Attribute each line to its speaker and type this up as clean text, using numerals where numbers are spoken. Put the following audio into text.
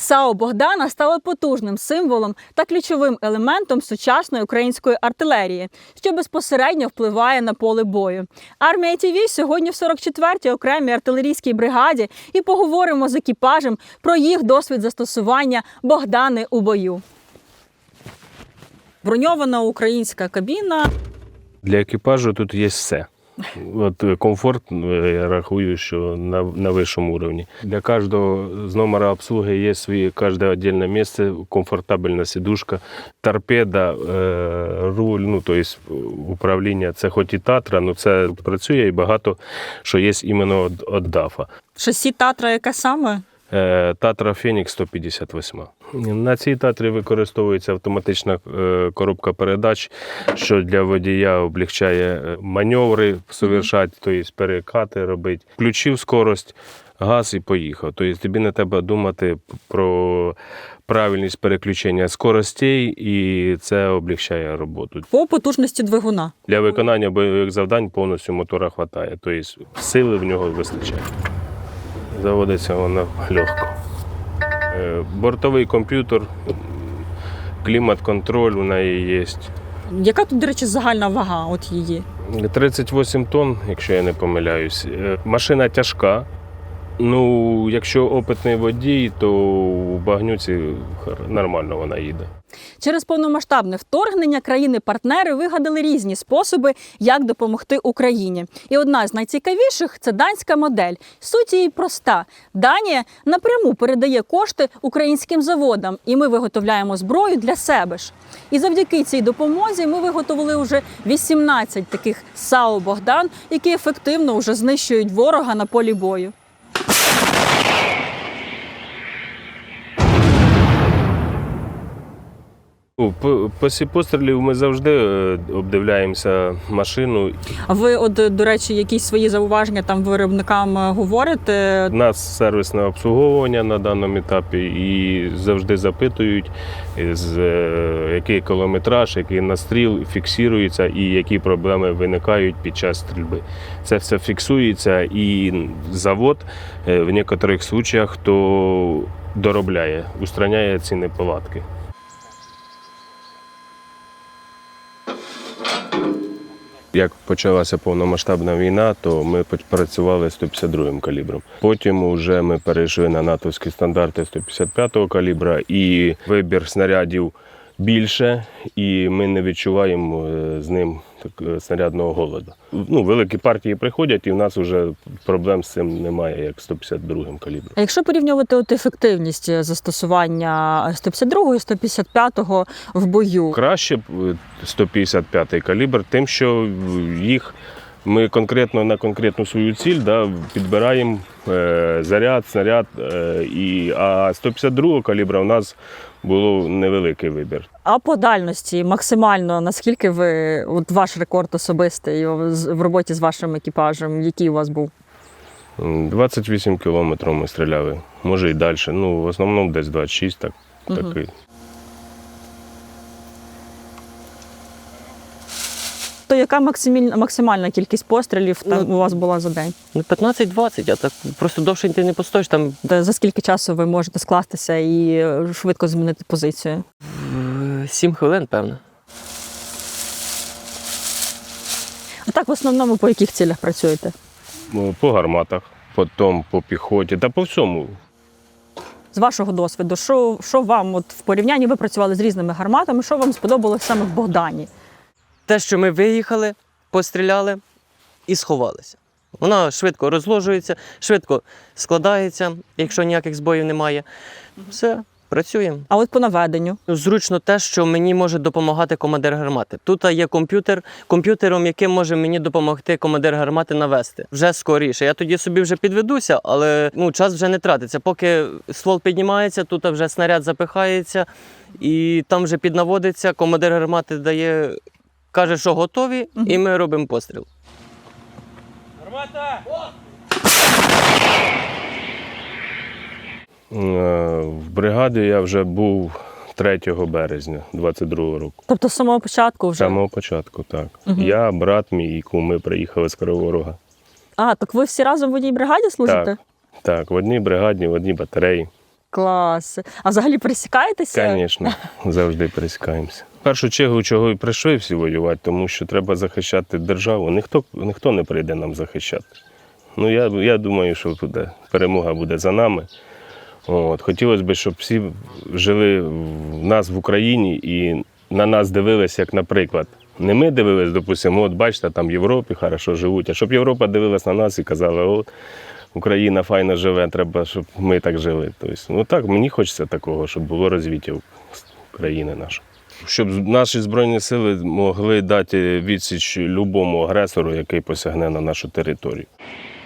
Speaker 1: САУ «Богдана» стало потужним символом та ключовим елементом сучасної української артилерії, що безпосередньо впливає на поле бою. Армія ТВ сьогодні в 44-й окремій артилерійській бригаді і поговоримо з екіпажем про їх досвід застосування «Богдани» у бою. Броньована українська кабіна.
Speaker 2: Для екіпажу тут є все. От комфорт, я рахую, що на вищому рівні. Для кожного з номера обслуги є своє кожне окреме місце, комфортабельна сидушка, торпеда, руль, тобто управління. Це хоч і Татра, але це працює і багато, що є іменно від ДАФа.
Speaker 1: Шасі Татра яке саме?
Speaker 2: Татра Фенікс 158. На цій Татрі використовується автоматична коробка передач, що для водія облегчає маневри совершати, тобто перекати робити. Включив скорость, газ і поїхав. Тобто тобі не треба думати про правильність переключення скоростей, і це облегчає роботу.
Speaker 1: По потужності двигуна.
Speaker 2: Для виконання бойових завдань повністю мотора вистачає, тобто сили в нього вистачає. Заводиться вона легко. Бортовий комп'ютер, клімат-контроль у неї є.
Speaker 1: Яка тут, до речі, загальна вага от її?
Speaker 2: 38 тонн, якщо я не помиляюсь. Машина тяжка. Якщо опитний водій, то у багнюці нормально вона їде.
Speaker 1: Через повномасштабне вторгнення країни-партнери вигадали різні способи, як допомогти Україні. І одна з найцікавіших – це данська модель. Суть її проста. Данія напряму передає кошти українським заводам, і ми виготовляємо зброю для себе ж. І завдяки цій допомозі ми виготовили вже 18 таких САУ «Богдан», які ефективно вже знищують ворога на полі бою.
Speaker 2: Після пострілів ми завжди обдивляємося машину.
Speaker 1: А ви, до речі, якісь свої зауваження там виробникам говорите?
Speaker 2: У нас сервісне обслуговування на даному етапі і завжди запитують, який кілометраж, який настріл фіксується і які проблеми виникають під час стрільби. Це все фіксується і завод в деяких випадках то доробляє, устраняє ці неполадки. Як почалася повномасштабна війна, то ми працювали 152-м калібром. Потім вже ми перейшли на натовські стандарти 155-го калібра, і вибір снарядів більше, і ми не відчуваємо з ним снарядного голоду. Великі партії приходять, і в нас вже проблем з цим немає, як 152-м калібром.
Speaker 1: А якщо порівнювати ефективність застосування 152-го і 155-го в бою?
Speaker 2: Краще 155-й калібр тим, що їх ми на конкретну свою ціль підбираємо заряд, снаряд, а 152-го калібра у нас було невеликий вибір.
Speaker 1: А по дальності максимально, наскільки ваш рекорд особистий в роботі з вашим екіпажем, який у вас був?
Speaker 2: 28 кілометрів ми стріляли, може і далі, в основному десь 26, такий.
Speaker 1: То яка максимальна кількість пострілів у вас була за день?
Speaker 3: 15-20, а так просто довше ти не постоїш там.
Speaker 1: За скільки часу ви можете скластися і швидко змінити позицію?
Speaker 3: 7 хвилин, певно.
Speaker 1: А так в основному по яких цілях працюєте?
Speaker 2: По гарматах, потім по піхоті та по всьому.
Speaker 1: З вашого досвіду, що вам в порівнянні, ви працювали з різними гарматами, що вам сподобалось саме в «Богдані»?
Speaker 3: Те, що ми виїхали, постріляли і сховалися. Вона швидко розложується, швидко складається, якщо ніяких збоїв немає. Все, працюємо.
Speaker 1: А от по наведенню?
Speaker 3: Зручно те, що мені може допомагати командир гармати. Тут є комп'ютером, яким може мені допомогти командир гармати навести. Вже скоріше. Я тоді собі вже підведуся, але час вже не тратиться. Поки ствол піднімається, тут вже снаряд запихається і там вже піднаводиться, командир гармати каже, що готові, і ми робимо постріл. Гармата!
Speaker 2: В бригаді я вже був 3 березня 22-го року.
Speaker 1: Тобто з самого початку вже?
Speaker 2: З самого початку, так. Я, брат мій і кум, ми приїхали з Кривого Рога.
Speaker 1: А, так ви всі разом в одній бригаді служите?
Speaker 2: Так, в одній бригаді, в одній батареї.
Speaker 1: Клас. А взагалі пересікаєтеся?
Speaker 2: Звісно, завжди пересікаємося. В першу чергу, чого і прийшли всі воювати, тому що треба захищати державу. Ніхто не прийде нам захищати. Ну, я думаю, що перемога буде за нами. От. Хотілося б, щоб всі жили в нас в Україні і на нас дивилися, як, наприклад, не ми дивились, допустимо, от бачите, там в Європі хорошо живуть, а щоб Європа дивилась на нас і казала, от Україна файно живе, треба, щоб ми так жили. Тобто, ну так, мені хочеться такого, щоб було розвиття країни нашої. Щоб наші Збройні сили могли дати відсіч любому агресору, який посягне на нашу територію.